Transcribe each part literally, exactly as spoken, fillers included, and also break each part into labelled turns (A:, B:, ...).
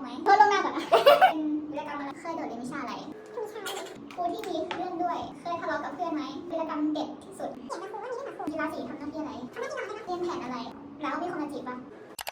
A: ไหมเพื่อลงหน้าก่อนนะเป็นวีรกรรมอะไรเคยโดดเรียนวิชาอะไรวิชาครูที่มีเรื่องด้วยเคยทะเลาะกับเพื่อนไหมวีรกรรมเด็ดที่สุดเห็นนะครูว่านี่ค่ะครูกีฬาสีทำหน้าที่อะไรทำหน้าที่อะไรเรียนแผนอะไรแล้วมีคนมาจีบปะ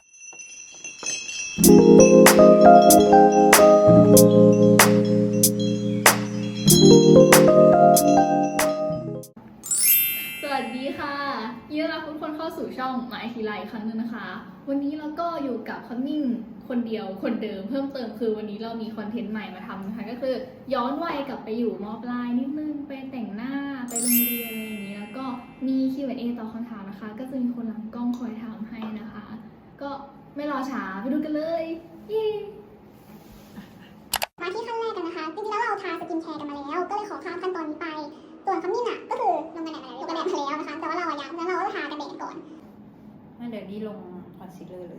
B: สวัสดีค่ะยินดีต้อนรับทุกคนเข้าสู่ช่องหมายทีไรอีกครั้งหนึงนะคะ วันนี้เราก็อยู่กับคอนนิ่งคนเดียวคนเดิมเพิ่มเติมคือวันนี้เรามีคอนเทนต์ใหม่มาทำนะคะก็คือย้อนวัยกลับไปอยู่ม.ปลายนิดนึงไปแต่งหน้าไปโรงเรียนอะไรอย่างนี้แล้วก็มี คิว แอนด์ เอ ตอบคำถามนะคะก็จะมีคนหลังกล้องคอยถามให้นะคะ ก็ไม่รอช้าไปดูกันเลยเย้
A: มาที่ขั้นแรกกันนะคะจริงๆแล้วเราทาสกินแคร์กันมาแล้วก็เลยขอข้ามขั้นตอนนี้ไปส่วนคำนิ่งอ่ะก็คือลงกันแดดมาแล้วลงกันแดดมาแล้วนะคะแต่ว่าเราอะยังงั้นเราก็ทากันแดดก่อน
C: งั้นเดี๋ยวนี้ลงคอนซีลเลอร์เลย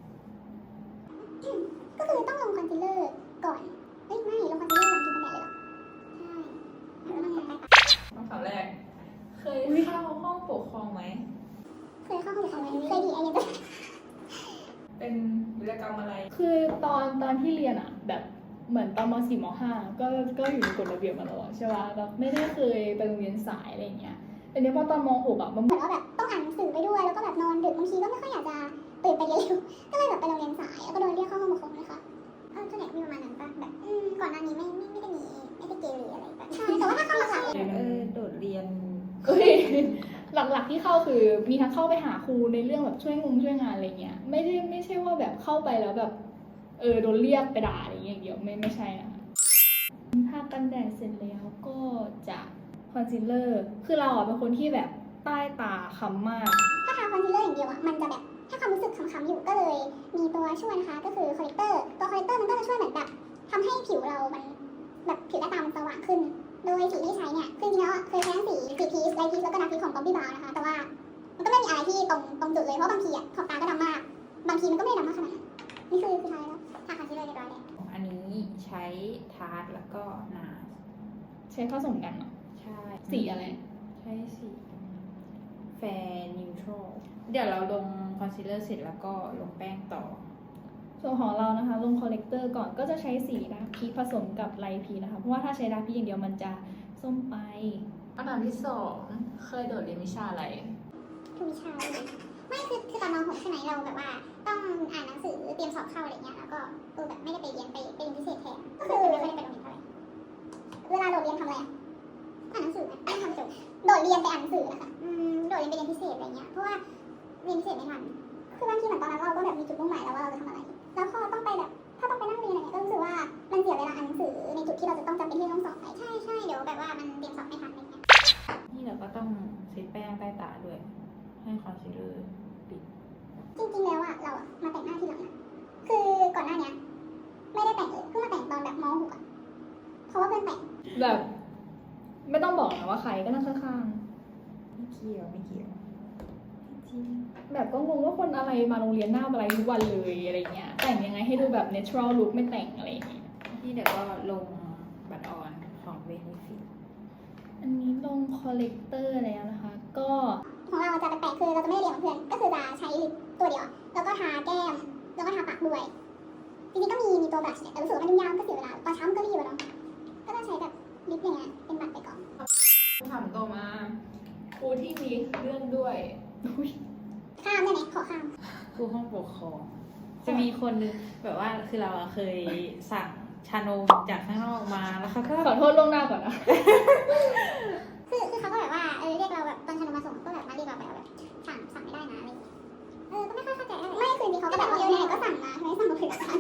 A: ก็คือต้องลงคอนซีลเลอร์ก่อนเฮ้ยไม่ลงคอนซีลเลอร์หลังกินกันแดดเลยเหรอใช่แล้วมันจะไป
C: คำถามแรก เคยเข้าห้องปกครองไหม
A: เคยเข้าห้องปกครองไหมเคยดีไอเดีย
C: เป็นวิรกรรมอะไร
B: คือตอนตอนที่เรียนอะแบบเหมือนตอนม สี่ ม ห้าก็ก็อยู่ในกฎระเบียบมาตลอดใช่ป่ะแบบไม่ได้เคยไปโรงเรียนสายอะไรอย่างเงี้ยแต่เนี้ยพอตอนม หกอะมัน
A: เหมือนว่าแบบต้องอ่านหนังสือไปด้วยแล้วก็แบบนอนดึกบางทีก็ไม่ค่อยอยากจะตื่นไปเรียนเร็วก็เลยแบบไปโรงเรียนสายแล้วก็โดนเรียกเข้าห้องปกครองนะคะเออส่วนใหญ่ก็มีประมาณนั้นป่ะแบบอืมก่อนหน้านี้ไม่ไม่ไม่ได้มีไม่ได้เกเรอะไรแบบใช่แต่ว่าถ้าเข้าหลักๆ
C: เออ โดดเรียน
B: เอ้ยหลักๆที่เข้าคือมีทั้งเข้าไปหาครูในเรื่องแบบช่วยงงช่วยงานอะไรเงี้ยไม่ได้ไม่ใช่ว่าแบบเข้าไปแล้วแบบเออโดนเรียกไปด่าอะไรเงี้ยอย่างเดียวไม่ไม่ใช่นะคะทากันแดดเสร็จแล้วก็จะคอนซีลเลอร์คือเราอ่ะเป็นคนที่แบบใต้ตาค้ำมาก
A: ถ้าทาคอนซีลเลอร์อย่างเดียวอ่ะมันจะแบบถ้าความรู้สึกค้ำๆอยู่ก็เลยมีตัวช่วยนะคะก็คือคอลเลกเตอร์ตัวคอลเลกเตอร์มันก็จะช่วยเหมือนแบบทำให้ผิวเรามันแบบผิวหน้าตามันสว่างขึ้น โดยสีที่ใช้เนี่ยคือจริงๆแล้วเคยใช้ทั้งสีสีพีชไลท์พีชแล้วก็ดาร์กพีชของบ๊อบบี้บราวน์นะคะแต่ว่ามันก็ไม่มีอะไรที่ตรงตรงจุดเลยเพราะบางทีอ่ะขอบตาก็ดำมากบางทีมันก็ไม่ได้ดำมากขนาดนั้นนี่คือคือทาแล้วทาคอนซีลเลอร์เรียบร้อยแล้ว
C: อันนี้ใช้ทาร์ตแล้วก็นา
B: ใช้ผสมกันเนาะ
C: ใช่
B: สีอะไร
C: ใช้สีแฟร์นิวทรัลเดี๋ยวเราลงคอนซีลเลอร์เสร็จแล้วก็ลงแป้งต่อ
B: ส่วนของเรานะคะลงคอลเลกเตอร์ก่อนก็จะใช้สีดาร์กพีชผสมกับไลท์พีชนะคะเพราะว่าถ้าใช้ดาร์กพีชอย่างเดียวมันจะส้มไป
C: คำถามที่สองเคยโดดเรียนวิชาอะไร
A: ทุกวิชาเลยไม่คือคือตอนม .หก ใช่ไหมเราแบบว่าต้องอ่านหนังสือเตรียมสอบเข้าอะไรเงี้ยแล้วก็เออแบบไม่ได้ไปเรียนไปไปเรียนพิเศษแทนก็คือไม่ค่อยได้ไปโรงเรียนเท่าไหร่เวลาโดดเรียนทำอะไรอ่ะอ่านหนังสือไหมไม่ทำจบโดดเรียนไปอ่านหนังสือนะคะอืมโดดเรียนไปเรียนพิเศษอะไรเงี้ยเพราะว่าเรียนพิเศษไม่ทันคือบางทีเหมือนตอนนั้นเราก็แบบมีจุดมุ่งหมายแล้วว่าเราจะทำอะไร แล้วพอต้องไปแบบถ้าต้องไปนั่งเรียนอะไรเงี้ยก็รู้สึกว่ามันเสียเวลาอ่านหนังสือในจุดที่เราจะต้องจำเป็นที่ต้องสอบไปใช่ใช่เดี๋ยวแบบว่ามันเตรียมสอบไม่ทันอะไรเงี้ย
C: นี่เราก็ต้องเซตแป้งใต้ตาด้วย ให้คอนซีลเลอร์ปิด
A: จริงๆ แล้วอะเราอะมาแต่งหน้าทีหลังนะคือก่อนหน้าเนี้ยไม่ได้แต่งเลยเพิ่งมาแต่งตอนแบบม .หก อะเพราะว่าเพื่อนแต่ง
B: แบบไม่ต้องบอกนะว่าใครก็นั่งข้าง
C: ไม่เกี่ยวไม่เกี่ยวจริง
B: ๆแบบก็งงว่าคนอะไรมาโรงเรียนหน้าอะไรทุกวันเลยอะไรเงี้ยแต่งยังไงให้ดูแบบ natural look ไม่แต่งอะไรอย่างเงี้ย
C: นี่เดี๋ยวก็ลงบัตรออนของเวนิฟิต
B: อันนี้ลงคอลเลกเตอร์แล้วนะคะ ก็
A: ของเราจะแปลกๆคือเราจะไม่ได้เรียนกับเพื่อนก็คือจะใช้ลิปตัวเดียวแล้วก็ทาแก้มแล้วก็ทาปากด้วยจริงๆก็มีมีตัวบลัชเนี่ยแต่รู้สึกว่ามันยุ่งยากก็เสียเวลาตอนเช้ามันก็รีบอะเนาะก็ต้องใช้แบบลิปอย่างเงี้ยเป็นบัตรไปก่อน
C: คำถามต่อมาครูที่มีเรื่องด้วย
B: อุ๊ย
A: ข้ามได้ไหมขอข้าม
C: ครูห้องปกครอง จะมีคนนึงแบบว่าคือเราอะเคยสั่งชานมจากข้างนอกมาแล้วเขาก็
B: ขอโทษล่วงหน้าก่อนนะ
A: คือคือเขาก็แบบว่าเออเรียกเราแบบตอนชนมาส่งก็แบบมาเรียกเราไปแบบสั่งสั่งไม่ได้นะอะไรอย่างเงี้ยเออก็ไม่ค่อยเข้าใจอะไรไม่คือมีเขาก็แบบว่าเออไหนๆก็สั่งมาทำไมสั่งมาผิดร้าน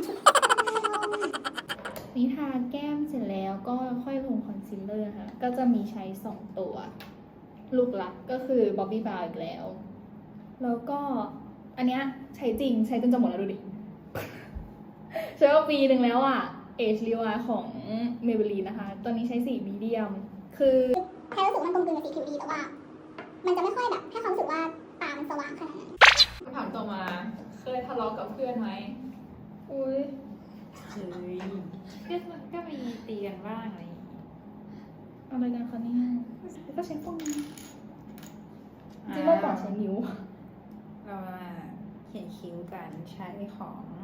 B: นี่ทาแก้มเสร็จแล้วก็ค่อยลงคอนซีลเลอร์ค่ะ ก็จะมีใช้สองตัว ลูกหลักก็คือ Bobbi Brown อีกแล้ว แล้วก็อันเนี้ยใช้จริงใช้จนจะหมดแล้วดูดิ ใช้มาปีหนึ่งแล้วอ่ะ Age Rewind ของ Maybelline นะคะ ตอนนี้ใช้สีมีเดียม คือ
A: แค่รู้สึกมันกลมกลืนกับสีผิวดีแต่ว่า มันจะไม่ค่อยแบบให้ความรู้สึกว่าตามันสว่างขนาดนั้น
C: คำถามต่อมา เคยทะเลาะกับเพื่อนไหม
B: อุ้ย
C: เคยก็ก็มีตีกันบ้างอะไรอย่างงี้
B: อะไรกันคะเนี่ยก็ใช้พวกนี้จริงๆเมื่อก่อนใช้นิ้ว
C: เรามาเขียนคิ้วกันใช้ของโค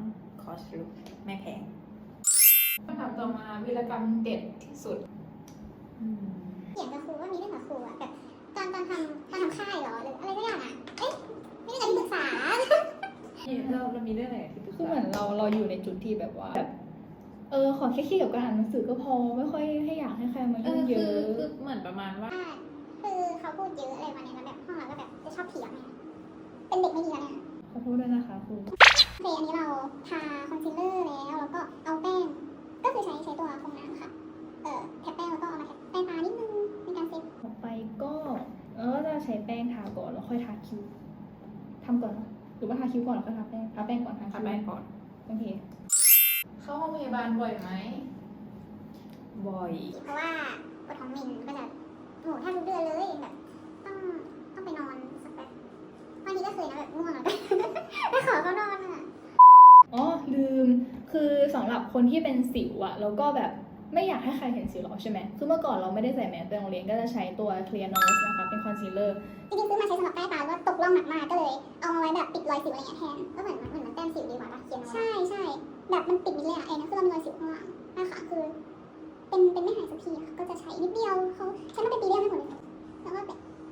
C: อสลุกไม่แพง
B: คำถามต่อมาวีรกรรมเด็ดที่สุด
C: อืม
A: เขียนกับครูว่ามีเรื่องกับครูอะแบบตอนตอนทำตอนทำค่ายเหรอหรืออะไรสักอย่างอะเอ๊ะไม่ได้การที่ปรึกษา
C: นี่เราเรามีเรื่องอะไรที่ปรึก
B: คือ
C: ษา
B: เหมือนเราเราอยู่ในจุดที่แบบว่าแบบเออขอแค่เครียดกับการอ่านหนังสือก็พอไม่ค่อยให้อยากให้ใครมา
C: เอ
B: ยุ่ง
C: อ
B: เย
C: คือ
B: อะ
C: คือเหมือนประมาณว่า
A: คือเขาพูดเยอะอะไรมาเนี่ยแล้วแบบห้องเราก็แบบจะชอบเถียงเนี่ยเป็นเด็กไม่ดีแล้วเนี่ย
B: ขอโทษด้วยนะคะครู
A: โอเคอันนี้เราทาคอนซีลเลอร์แล้วแล้วก็เอาแป้งก็คือใช้ใช้ตัวฟองน้ำค่ะเอ่อแท็บแป้งแล้วก็เอามาแท็บแป้งตานิดนึงในการเซ็ต
B: ต่อไปก็เราก็จะใช้แป้งทาก่อนแล้วค่อยทาคิ้วทำก่อนเนอะหรือว่าทาคิ้วก่อนแล้วค่อยทาแป้งทาแป้งก่อนทาคิ้ว
C: ทำแป้งก่อน
B: โอเค
D: เข้าห้องพยาบาลบ่อยไหม
C: บ่อย
A: เพราะว่าปวดท้องมินก็จะโอ้โหแทบทุกเดือนเลยแบบต้องต้องไปนอนสักแป๊บบางทีก็เคยนะแบบง่วงแล้วก็ ไปขอเขานอนอ่ะ
B: อ๋อลืมคือสำหรับคนที่เป็นสิวอะแล้วก็แบบไม่อยากให้ใครเห็นสิวเราใช่ไหมคือเมื่อก่อนเราไม่ได้ใส่แมสไปโรงเรียนก็จะใช้ตัว Clear Nose นะคะเป็นคอนซีลเลอร์
A: จริงๆซื้อมาใช้สำหรับใต้ตาว่าตกร่องหนักมากก็เลย เอามาไว้แบบปิดรอยสิวอะไรเงี้ยแทนก็เหมือนมันเหมือนมันแต้มสิวดีกว่าปะเขียนใช่ใช่แบบมันปิดมิดเลยอะไอ้นั่นคือเรามีรอยสิวข้างหลังนะคะคือ เป็นเป็นไม่หายสักทีค่ะก็จะใช้นิดเดียวเขาใช้มาเป็นปีเดียวให้หมดเลยแล้วก็แบบ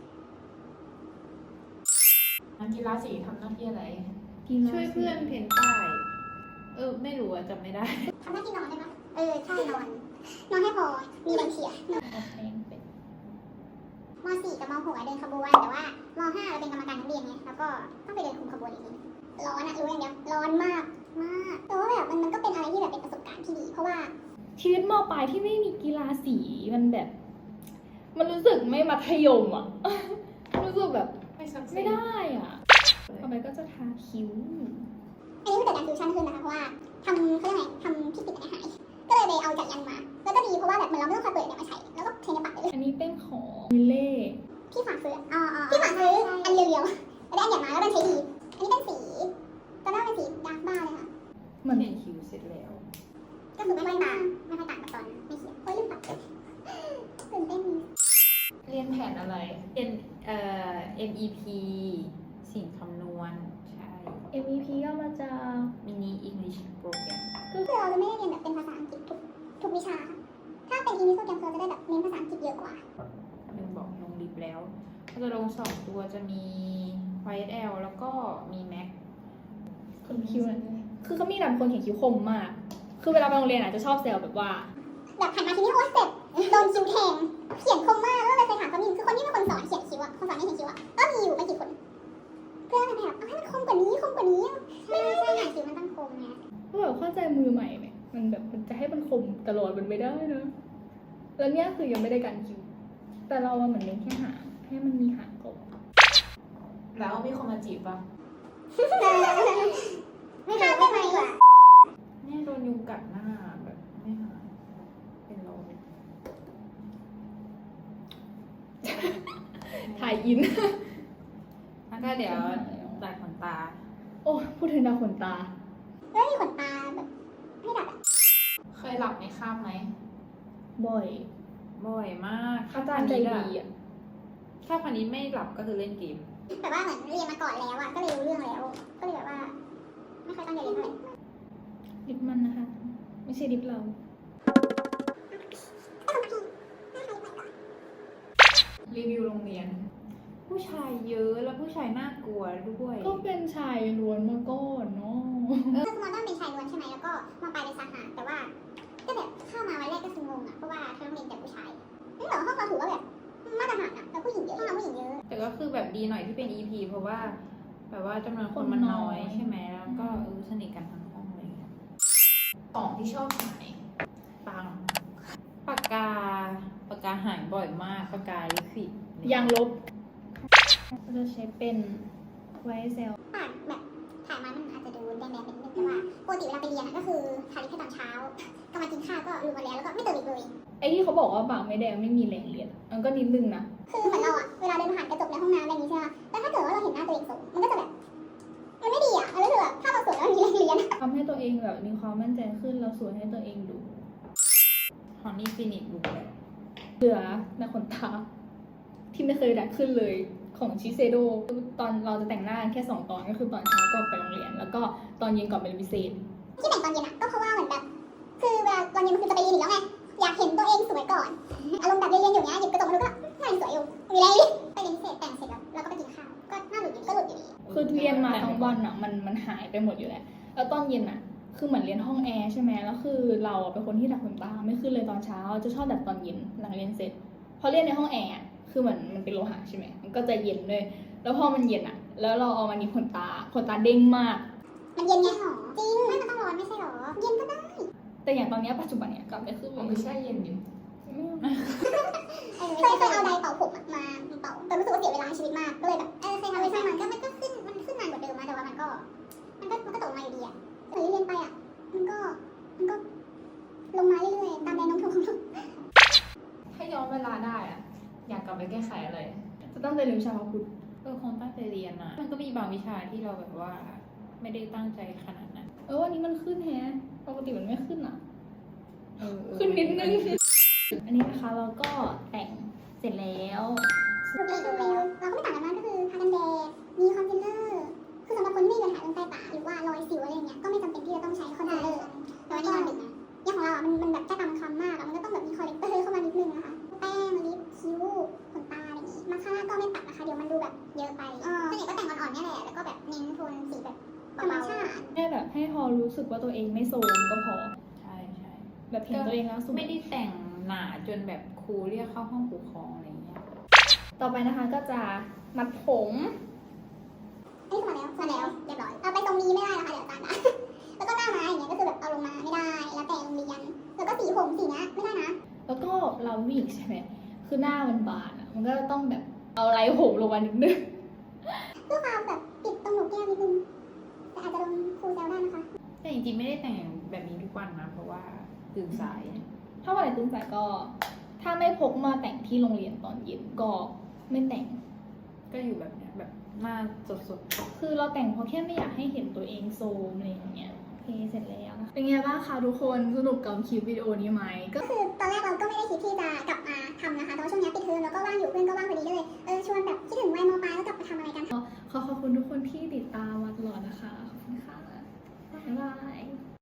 D: นักกีฬาสีทำหน้าที่อะไร
C: ช่วยเพื่อนเพ้นป้าย เออ ไม่รู้อะจำไม่ได้
A: ทำหน้าที่นอนได้ปะเออใช่นอน นอนให้พอมีแรงเชียร์
B: เอาแป้งเป็น
A: ม .สี่ กับม .หก อะเดินขบวนแต่ว่าม .ห้า เราเป็นกรรมการนักเรียนไงแล้วก็ต้องไปเดินคุมขบวนอีกทีร้อนอะรู้อย่างเดียวร้อนมากมากแต่ว่าแบบมันมันก็เป็นอะไรที่แบบเป็นประสบการณ์ที่ดี เพราะว่า
B: ชีวิตมปลายที่ไม่มีกีฬาสีมันแบบ มันรู้สึกไม่มัธยมอะ รู้สึกแบบ
D: ไม่ซักเซ
B: ไม่
D: ส
B: ได้อ่ะต่อไปก็จะทาคิ้ว
A: อันนี้คือเกิดการฟิวชั่นขึ้นนะคะเพราะว่าทำเขาเรียกไงทำที่ปิดอันนี้หายก็เลยไปเอาจากยันมา แล้วก็ดีเพราะว่าแบบเหมือนเราไม่ต้องคอยเปิดเนี่ยมาใช้แล้วก็ใช้ในปากได้เลย
B: อันนี้เป็นของมิเล่
A: พี่ฝากซื้ออ๋อพี่ฝากซื้ออันเรียวๆแล้วได้อันใหญ่มาแล้วมันใช้ดี อันนี้เป็นสีตอนแรกเป็นสีดาร์กบ้าเลยค่ะ
B: เหมือน
C: เขียนคิวเสร็จแล้ว
A: ก็คือไม่ค่อยต่างไม่ค่อยต่างกับตอนไม่เขียนโอ้ยลืมปัดตื่นเต้น
D: เรียนแผนอะไร
C: เป็นเอ่อ เอ็ม อี พี สิ่งคำนวณ ใช่
B: เอ็ม อี พี ก็มาจาก
C: มินิ English Program
A: คือเราจะไม่ได้เรียนแบบเป็นภาษาอังกฤษทุกทุกวิชา ถ้าเป็นอีมิโซแกรมเราจะได้แบบเน้นภาษาอังกฤษเยอะกว่า
C: ลืมบอกลงลิฟต์แล้ว ก็จะลงสองตัวจะมี วาย เอส แอล แล้วก็มี Mac
B: คนคิ้วนะคือเขามีแบบคนเขียนคิ้วคมมาก คือเวลาไปโรงเรียนอาจจะชอบแซวแบบว่า
A: แบบผ่านมาทีนี้โอ๊ยเจ็บโดนคิ้วแทงเขียนคมมากแล้วเลยเคยถามเขามีคือคนที่เป็นคนสอนเขียนคิ้วอะคนสอนให้เขียนคิ้วอะก็มีอยู่ไม่กี่คน เพื่อนแบบเอาให้มันคมกว่านี้คมกว่านี้ไม่ได้ใช่หนังคิ้วมันต้องคมไง
B: ก็แบบเข้าใจมือใหม่ไหมมันแบบมันจะให้มันคมตลอดมันไม่ได้นะ แล้วเนี่ยคือยังไม่ได้การคิ้ว แต่เราอะเหมือนเน้นแค่หางให้มันมีหางก่อน
D: แล้วมีคนมาจีบปะ
A: ไม่ทำได้ไหมวะ
C: เนี่ยโดนยุงกัดหน้าแบบไม่หายเป็นรอย
B: ถ่ายอิน
C: แล้วก็เดี๋ยวตัดขนตา
B: โอ้พูดถึงดาวขนตา
A: แล้วมีขนตาแบบให้ดัดอะ
D: เคยหลับในคาบไหม
B: บ่อย
C: บ่อยมาก
B: อาจารย์ใจดีอ่ะ
C: ถ้าพันนี้ไม่หลับก็คือเล่นเกม
A: แต่ว่าเหมือนเรียนมาก่อนแล้วอะก็เลยรู้เรื่องแล้ว ก็เลยแบบว่า ไม่ค่อยตั้งใจเรียนเท่าไหร่
B: ลิปมันนะคะ ไม่ใช่ลิปเรา
D: รีวิวโรงเรียน
C: ผู้ชายเยอะแล้วผู้ชายน่ากลัวด้วย
B: ก็เป็นชายล้วนมาก่อนเนาะ
A: คือมอต้นเป็นชายล้วนใช่ไหมแล้วก็มอปลายเป็นสหะแต่ว่า ก็แบบเข้ามาวันแรกก็คืองงอะเพราะว่าทั้งโรงเรียนแต่ผู้ชายนั่นเหรอห้องเราถือว่าแบบมาตรฐานอะแต่ผู้หญิงเยอะห้องเราผู้หญิงเยอะ
C: แต่ก็คือแบบดีหน่อยที่เป็น อี พี เพราะว่าแบบว่าจำนวนคนมันน้อยใช่ไหมแล้วก็เออสนิทกันทั้งห้องเลย
D: ของที่ชอบหาย
C: ปังปากกาปากกาหายบ่อยมากปากกาลิควิด
B: ยางลบก็จะใช้เป็นไวเซล
A: ปากแบบถ่ายมามันอาจจะดูแดงๆเป็นนิดนึงแต่ว่าปกติเวลาไปเรียนอะก็คือทาลิปแค่ตอนเช้าก็มากินข้าวก็ลืมมาแล้วแล้วก็ไม่เติมอีกเลย
B: ไอ้ที่เขาบอกว่าปากไม่แดงไม่มีแรงเรียนมันก็นิดนึงนะ
A: คือเหมือนเราอะเวลาเดินผ่านกระจกในห้องน้ำอะไรอย่างงี้ใช่ไหมแต่ถ้าเกิดว่าเราเห็นหน้าตัวเองสูงมันก็จะแบบ มันไม่ดีอะมันรู้สึกแบบถ้าเราสวยแล้วมันมีแรงเรียน
B: ทำให้ตัวเองแบบมีความมั่นใจขึ้นแล้วสวยให้ตัวเองดู
C: ฮอนนี่ฟินิชบุกแบบ
B: เหลือในขนตาที่ไม่เคยดัดขึ้นเลยของชิเซโดตอนเราจะแต่งหน้าแค่สองตอนก็คือตอนเช้าก่อนไปโรงเรียน แล้วก็ตอนเย็นก่อนไปเรียนพิเศษ
A: ที่แต่งตอนเย็นอะก็เพราะว่าเหมือนแบบคือเวลาตอนเย็นมันคือจะไปเรียนอยู่แล้วไงอยากเห็นตัวเองสวยก่อนอารมณ์แบบเรียนๆอยู่เนี้ยหยิบกระจกมาดูก็หน้ายังสวยอยู่มีอะไรไปเรียนพิเศษแต่งเสร็จแล้วเราก็ไปกินข้าวก็หน้าหลุดอยู่ก็หลุดอยู่ดี
B: คือเรียนมาทั้งวันอ่ะมันมันหายไปหมดอยู่แล้วแล้วตอนเย็นอ่ะคือเหมือนเรียนห้องแอร์ใช่ไหมแล้วคือเราอะเป็นคนที่ดับขนตาไม่ขึ้นเลยตอนเช้าจะชอบดับตอนเย็นหลังเรียนเสร็จพอเรียนในห้องแอร์อะคือเหมือนมันเป็นโลหะใช่ไหมมันก็จะเย็นด้วยแล้วพอมันเย็นอ่ะ แล้วเราเอามานิบขนตาขนตาเด้งมาก
A: มันเย็นไงหรอจริงไม่มันต้องร้อนไม่ใช่หรอเย็นก็ได้
B: แต่อย่างตอนเนี้ยปัจจุบันเนี่ยกลับไม่ขึ้นเล
D: มัน
B: ย
D: ไม่ใช่เย็นดิ
A: เคยเคยเอาไดร์เป่าผมอะมาเป่าแต่รู้สึกว่าเสียเวลาในชีวิตมากก็เลยแบบเออเคยทำไปช่างมันก็มันก็ขึ้นมันขึ้นนานกว่าเดิมนะแต่ว่ามันก็มันก็มันก็ตกมาอยู่ดีอะเรียนเรียนไปอะมันก็มันก็ลงมาเรื่อยๆตามแรงโน้มถ่วงของโลก
D: ถ้าย้อนเวลาได้อะอยากกลับไปแก้ไขอะไร
B: จะตั้งใจเรียนวิชาพระพุทธ
C: เออคงตั้งใจเรียนนะมันก็มีบางวิชาที่เราแบบว่า ไม่ได้ตั้งใจขนาดนั้น
B: เออวันนี้มันขึ้นแฮะปกติมันไม่ขึ้นอ่ะ
C: เออเออ
B: ขึ้นนิดนึงอันนี้นะคะเราก็แต่งเสร็จแล้ว
A: ดูดีดูแล้วเราก็ไม่ต่างกันมากก็คือทากันแดดมีคอนซีลเลอร์คือสำหรับคนที่มีปัญหาเรื่องใต้ตาหรือว่ารอยสิวอะไรอย่างเงี้ยก็ไม่จำเป็นที่จะต้องใช้คอนซีลเลอร์แต่ว่านี่นอนดึกนะอย่างของเราอ่ะมันมันแบบใต้ตามันคล้ำมากอ่ะมันก็ต้องแบบมีคอลเลกเตอร์เข้ามานิดนึงนะคะแป้งลิปคิ้วขนตาอะไรอย่างงี้มาสคาร่าก็ไม่ปัดนะคะเดี๋ยวมันดูแบบเยอะไปส่วนใหญ่ก็แต่งอ่อนๆนี่แหละแล้วก็แบบเน้นโทนสีแบบธรรมชาติ
B: แค่แบบให้พอรู้สึกว่าตัวเองไม่โซมก็พอ
C: ใช่ใช่
B: แบบเห็นตัวเองแล้วสวย
C: ไม่ได้แต่งหนาจนแบบครูเรียกเข้าห้องปกครองอะไรเงี้ย
B: ต่อไปนะคะก็จะมัดผม
A: อันนี้คือมาแล้วมาแล้วเรียบร้อยเอาไปตรงนี้ไม่ได้นะคะเดี๋ยวอาจารย์นะ แล้วก็หน้าม้าอย่างเงี้ยก็คือแบบเอาลงมาไม่ได้แล้วแต่โรงเรียนแล้วก็สีผมสีเนี้ยไม่ได้นะ
B: แล้วก็เราผู้หญิงใช่ไหมคือหน้ามันบานอ่ะมันก็ต้องแบบเอาไรผมลงมานิดนึง
A: เพื่อความแบบปิดตรงหนกแก้มนิดนึงแต่อาจจะโดนครูแซวได้นะคะ
C: แต่จริงๆไม่ได้แต่งแบบนี้ทุกวันนะเพราะว่าตื่นสาย
B: ถ้าวันไหนตื่นสายก็ ถ้าไม่พกมาแต่งที่โรงเรียนตอนเย็นก็ไม่แต่ง
C: ก็อยู่แบบเนี้ยแบบหน้าสด
B: คือเราแต่งเพราะแค่ไม่อยากให้เห็นตัวเองโซมอะไรอย่างเงี้ยโอเคเสร็จแล้วนะคะเป็นไงบ้างคะทุกคนสนุกกับคลิปวิดีโอนี้ไหมก็
A: ก็คือตอนแรกเราก็ไม่ได้คิดที่จะกลับมาทำนะคะแต่ว่าช่วงนี้ปิดเทอมแล้วก็ว่างอยู่เพื่อนก็ว่างพอดีก็เลยเออชวนแบบคิดถึงวัยมปลายแล้วกลับมาทำอะไรกัน
B: ขอขอบคุณทุกคนที่ติดตามมาตลอดนะคะขอบคุณค่ะบ๊ายบาย